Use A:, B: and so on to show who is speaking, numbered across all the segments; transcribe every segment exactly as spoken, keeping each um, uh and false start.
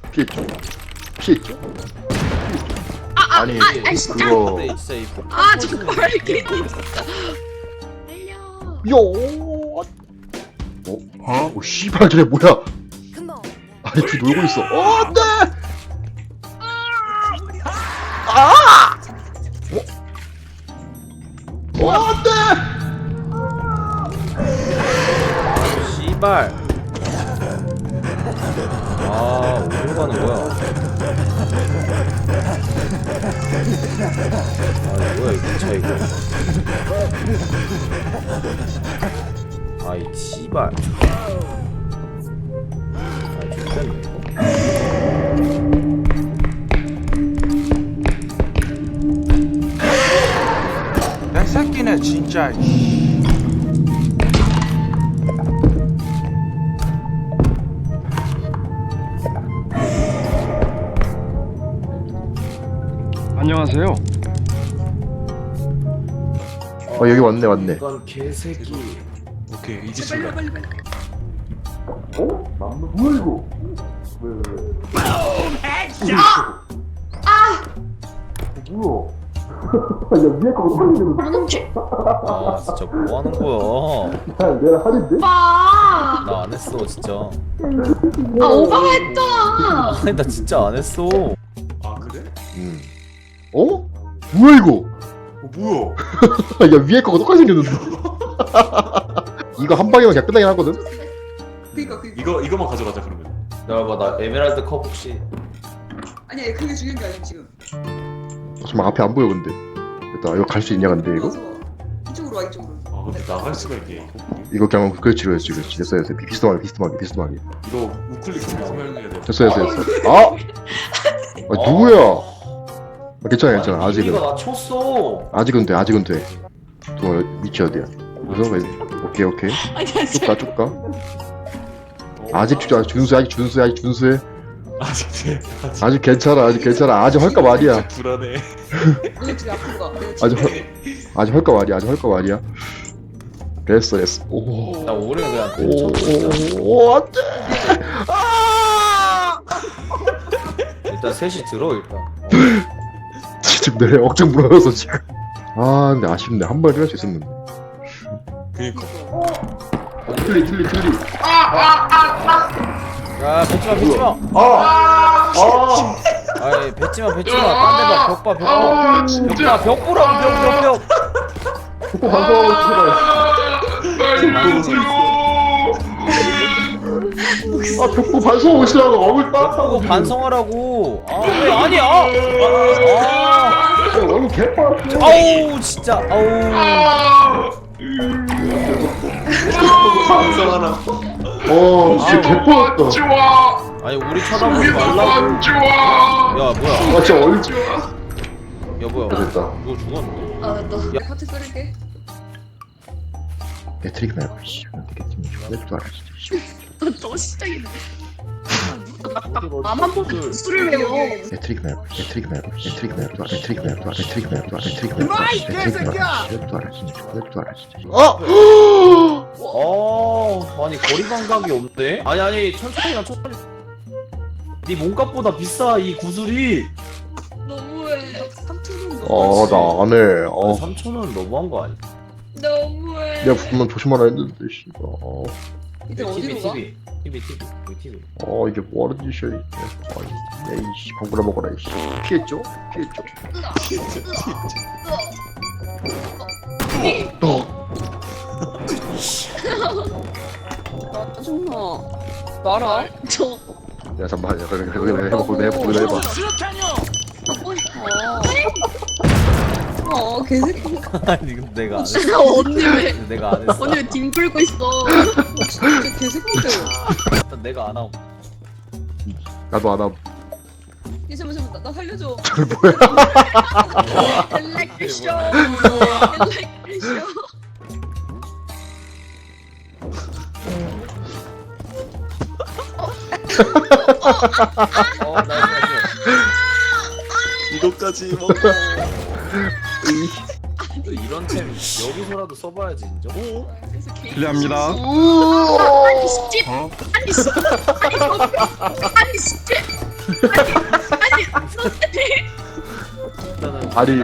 A: 피했죠? 피했죠?
B: 아, 아,
A: 아니
B: 아, 아, 진짜.
A: 그거
B: 아, 정말 괜히 진짜. 달려.
A: 요. 어? 어? 오 씨발 저게 뭐야? 아니 둘 놀고 있어. 어 안돼. 아! 어? 어 안돼.
C: 씨발. 아, 어디로 가는 거야? 아, 뭐야 이 기차 이거? 아이 씨발. 아, 좋겠네 이거.
D: 야 새끼네 진짜.
E: 안녕하세요.
A: 어 여기 왔네 왔네.
C: 이건 개새끼.
D: 오케이 이제
B: 빨리
D: 출발.
B: 빨리 빨리.
A: 어? 남는 뭐야 이거? 왜 왜 왜?
B: 아! 아!
A: 뭐야? 야 위에 거 어떻게
B: 그러는지.
C: 아 진짜 뭐 하는 거야?
A: 야 내가 하는데?
B: 오빠.
C: 나 안 했어 진짜.
B: 아, 오빠가 했다.
C: 아니 나 진짜 안 했어.
D: 아 그래?
A: 응. 어? 뭐야 이거?
D: 어 뭐야?
A: 야 위에 거가 똑같이 생겼는데. 이거 한 방이면 그냥 끝나긴 하거든.
F: 그니까 그
D: 이거 이거만 가져가자 그러면.
C: 내가 나 에메랄드 컵 혹시?
F: 아니야 그게 중요한 게 아니야 지금.
A: 정말 앞에 안 보여 근데. 됐다. 이거 갈 수 있냐 근데 이거?
F: 와서 이쪽으로 와 이쪽으로.
D: 아 근데 나갈 수가 있게.
A: 이거 그냥 그렇지 그렇지 그렇지 됐어 됐어 비스듬하게 비스듬하게 비스듬하게
D: 이거 우클릭 좀 설명해야 돼.
A: 됐어 됐어 됐어. 아! 아 누구야? 아, 괜찮아 괜찮아 아직은
C: 이거 나 쳤어.
A: 아직은 돼 아직은 돼. 또 위치 어디야? 그래서 왜? 오케이 오케이
B: 아니야,
A: 쭉가 쭉가. 아직 주 준수 아직 준수 아직 준수해.
D: 아직 돼. 아직.
A: 아직 괜찮아 아직 괜찮아 아직 헐까 말이야.
D: 불안해.
F: 내 뒤에 아픈 거. 내가
A: 아직
F: 지금
A: 헐 아직 헐까 말이야 아직 헐까 말이야. 됐어 됐어. 오.
C: 나 오래 그냥 쳤어.
A: 오 안돼.
C: 일단 셋이 들어 일단. 어.
A: 지금 내려 억장 물어서 지금. 아 근데 아쉽네 한 번에 할수 있었는데.
D: 그니까.
A: 틀리 틀리 틀리.
C: 야 뱉지마 뱉지마.
A: 아. 아.
C: 아이 뱉지마 뱉지마. 딴데봐 벽 봐 벽 봐. 벽 봐 벽 보라고 벽 벽 벽.
A: 폭포 반성하고 아 벽보 반성하고 있으라고 얼굴
C: 벽
A: 따뜻하고
C: 보고 반성하라고. 아왜 아니야? 아,
A: 얼굴 개빠졌어.
C: 아우 진짜 아우.
D: 반성하나.
A: 어 진짜 개빠졌다.
C: 아니 우리 쳐다보지 말라고. 야 뭐야?
A: 아 진짜 얼굴
C: 야 뭐야?
A: 됐다.
C: 누구 죽었는데?
F: 아 나 파트 끓일게.
A: 배트릭 말고 씨 되겠지 죽을 줄 알아 진짜.
B: 또 시작이네. 나만 보고 술을 외워.
A: 배트릭 말고 배트릭 말고 배트릭 말고 배트릭 말고 배트릭 말고 배트릭 말고 배트릭 말고 죽을 줄 알아 진짜 죽을 줄 알아 진짜. 어?
C: 어 아니 거리 감각이 없네. 아니 아니 천천히 가 천천히. 네 몸값보다 비싸 이 구슬이.
B: 너무해.
F: 삼촌은
A: 어나 안해. 어
C: 삼천 원 너무한 거 아니야?
B: 너무해.
A: 내가 붙으면 조심하라 했는데 씨발. 어,
F: 이제
C: 티비
F: 어디로 가?
C: 티비 티비 티비 여기 티비.
A: 어 이게 뭐하는 짓이야 이게. 아이 에이씨 방구나 먹어라 이씨. 피했죠? 피했죠? 어.
F: 짜증나. 나라.
B: 저
A: 야 잠깐만 야 그래 그래 그래 해봐 그래 해봐 그래 해봐.
F: 하고 싶어. 어 개새끼.
C: 아니 근데 내가 안 했어.
B: 진짜 언니 왜?
C: 내가 안 했어.
B: 언니 왜 뒹 불고 있어?
F: 진짜 개새끼들.
C: 일단 내가 안 하고.
A: 나도 안 함.
F: 이 잠깐 잠깐 나, 나 살려줘.
A: 저 뭐야?
B: Like the show. Like the show.
C: 어 나이스.
D: 이거까지 먹어.
C: 이런 템 여기서라도 써봐야지 인정.
F: 그래서 개인
E: 실례합니다.
B: 아니 씨.
E: 어?
B: 아니 씨. 아니 씨. 아니 씨.
C: 일단은
A: 아니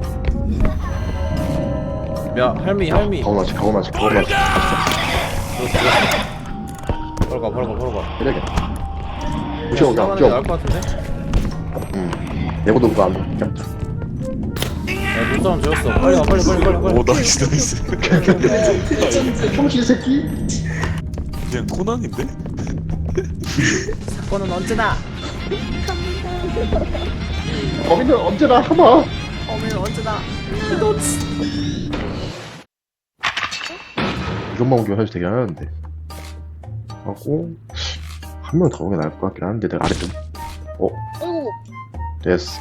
C: 야 할미 할미
A: 가오나지 가오나지 가오나지
C: 바로 가 바로 가 바로 가
A: 때려야겠다 무시하고 그냥
C: 나가는 게
A: 뛰어
C: 나을 것 같은데?
A: 응 내고도 그거 안 돼.
C: 야 눈싸움 지었어 빨리 가 빨리 빨리 빨리 빨리
D: 오 나이스 나이스.
A: 평신 새끼
D: 그냥 코난인데?
C: 사건은 언제나
A: 범인은 언제나 하마
C: 어머니는 언제나
A: 이것만 오기만 해도 되긴 하는데 하고 한 명 더 오게 나을 것 같긴 한데 내가 아래 좀
F: 어이구
A: 됐어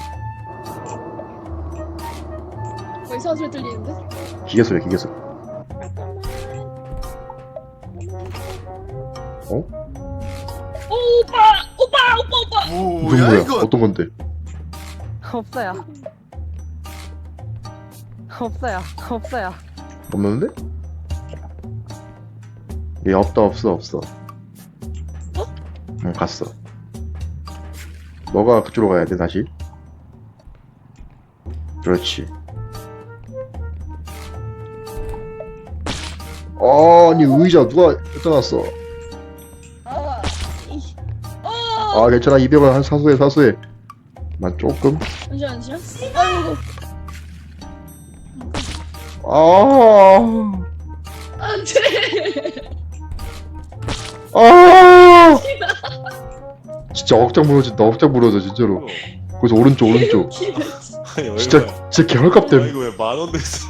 F: 뭐 이상한 소리 들리는데?
A: 기계 소리야 기계 소리 어?
F: 오 오빠 오빠 오빠 오빠
A: 이건 뭐야 어떤 건데
E: 없어요. 없어요. 없어요.
A: 없는데? 얘 없다 없어 없어 응 갔어 너가 그쪽으로 가야 돼 다시 그렇지 아니 의자 누가 갖다 놨어
F: 아 이-
A: 아 괜찮아 이백 원 한 사수해 사수해 난 조금
F: 잠시만 잠시만 아이고
A: 아
F: 안돼
A: 아 진짜 억장 무너진다 억장 무너져 진짜로 거기서 오른쪽 오른쪽
D: 아니 얼마야?
A: 진짜 진짜 개헐값
D: 아,
A: 때문에
D: 이거 왜 만 원 냈어?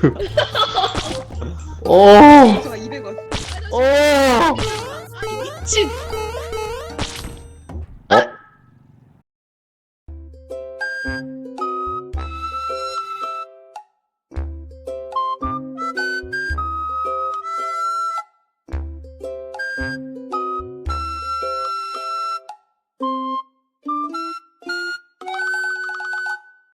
A: 어
F: 제가 이백 원
A: 어
F: 집
A: 어?